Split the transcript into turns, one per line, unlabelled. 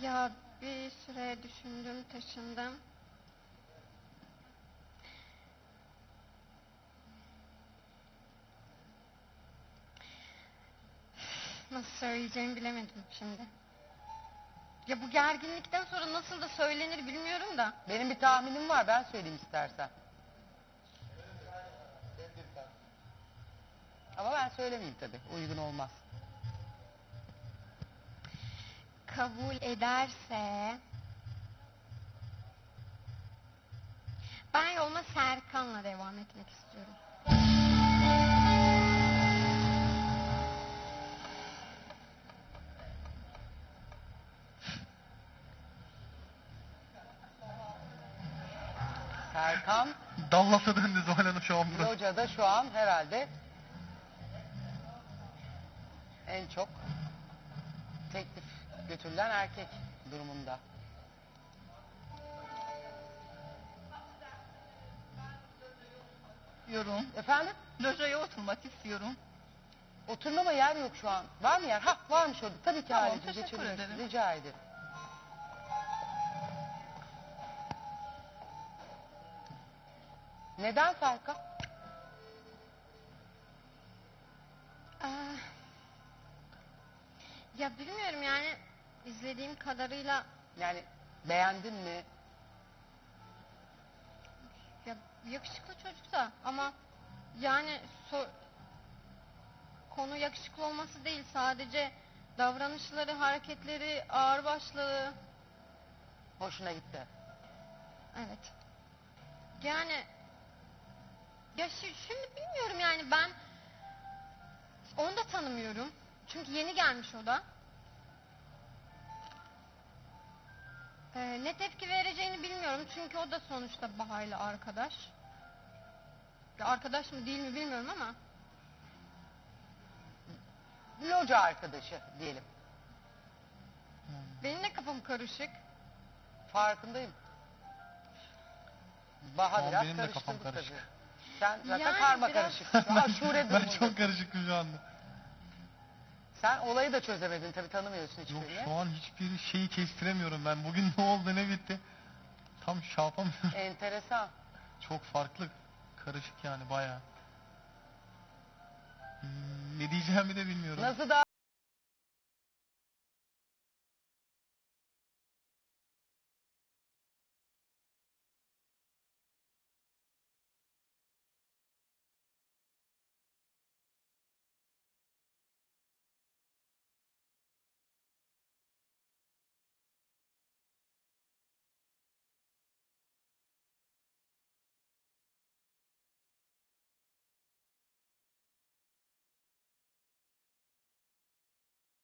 Ya bir süre düşündüm, taşındım. Nasıl söyleyeceğimi bilemedim şimdi. Ya bu gerginlikten sonra nasıl da söylenir bilmiyorum da.
Benim bir tahminim var, ben söyleyeyim istersen. Ama ben söylemeyeyim tabii, uygun olmaz.
Kabul ederse... Ben yoluma Serkan'la devam etmek istiyorum.
Serkan,
Dallas'a döndü Zuhal Hanım şu an burası.
Loca'da şu an herhalde en çok teklif götürülen erkek durumunda.
Yorum.
Efendim?
Lojaya oturmak istiyorum.
Oturmama yer yok şu an. Var mı yer? Ha, varmış orada. Tabii ki
Tamam,
Halicim,
teşekkür
geçebilirsin.
ederim.
Rica ederim. Neden Serkan?
Ah, ya bilmiyorum yani izlediğim kadarıyla
Yani beğendin mi?
ya yakışıklı çocuk da ama yani konu yakışıklı olması değil, sadece davranışları, hareketleri, ağırbaşlığı.
Hoşuna gitti.
Evet. Yani ya şimdi bilmiyorum yani ben onu da tanımıyorum. Çünkü yeni gelmiş o da. Ne tepki vereceğini bilmiyorum. Çünkü o da sonuçta Baha'yla arkadaş. Ya arkadaş mı değil mi bilmiyorum ama.
Loca arkadaşı diyelim.
Benim de kafam karışık.
Farkındayım. Baha
Şu an
biraz
benim de kafam
karıştırdı
karışık.
tabii. Sen zaten
Yani
karma
biraz-
karışık. Şu aşure
Ben
durumundasın.
çok karışıktım şu anda.
Sen olayı da çözemedin tabii, tanımıyorsun
Yok,
hiçbirini.
şu an hiçbir şeyi kestiremiyorum ben. Bugün ne oldu ne bitti. Tam şey yapamıyorum.
Enteresan.
Çok farklı. Karışık yani bayağı. Ne diyeceğimi de bilmiyorum.
Nasıl da